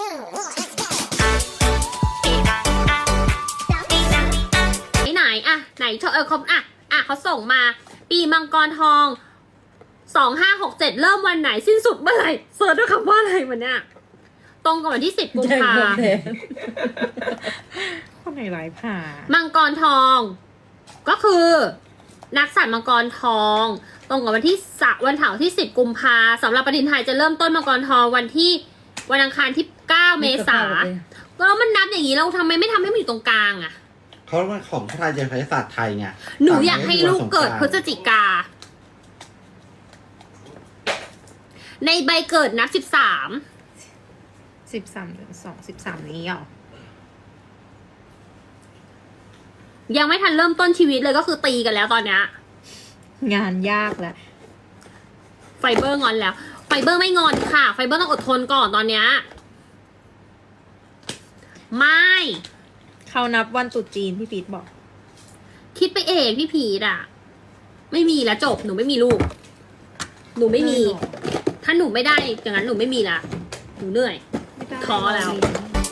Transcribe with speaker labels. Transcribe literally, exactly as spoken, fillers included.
Speaker 1: ไหนอะไหนเออเขาอะอะเขาส่งมา ปีมังกรทองสองห้าหกเจ็ดเริ่มวันไหนสิ้นสุดเมื่อไหร่เสิร์ชด้วยคำว่าอะไรมันเนี่ยตรงกับวันที่สิบกุมภาพันธ์
Speaker 2: คนไหนหลายผ่า
Speaker 1: มังกรทองก็คือนักสัตว์มังกรทองตรงกับวันที่สวันเสาร์ที่สิบกุมภาสำหรับปฏิทินไทยจะเริ่มต้นมังกรทองวันที่วันอังคารที่เก้าเมษาแล้วมันนับอย่างนี้เราทำไมไม่ทำให้มันอยู่ตรงกลางอะ
Speaker 3: เขาเป็นของไทยจะใช้ศาสตร์ไทยไง
Speaker 1: หนูอยากให้ลูกเกิดพฤศจิกาในใบเกิดนับสิบสาม
Speaker 2: สิบสามเดือนสองสิบสามนี้เหรอ
Speaker 1: ยังไม่ทันเริ่มต้นชีวิตเลยก็คือตีกันแล้วตอนเนี้ย
Speaker 2: งานยากแล้ว
Speaker 1: ไฟเบอร์งอนแล้วไฟเบอร์ไม่งอนค่ะไฟเบอร์ต้องอดทนก่อนตอนเนี้ยไม่
Speaker 2: เขานับวันตรุษจีนพี่พีทบอก
Speaker 1: คิดไปเองพี่พีทอะไม่มีแล้วจบหนูไม่มีลูกหนูไม่มีถ้าหนูไม่ได้อย่างนั้นหนูไม่มีละหนูเหนื่อยท้อแล้ว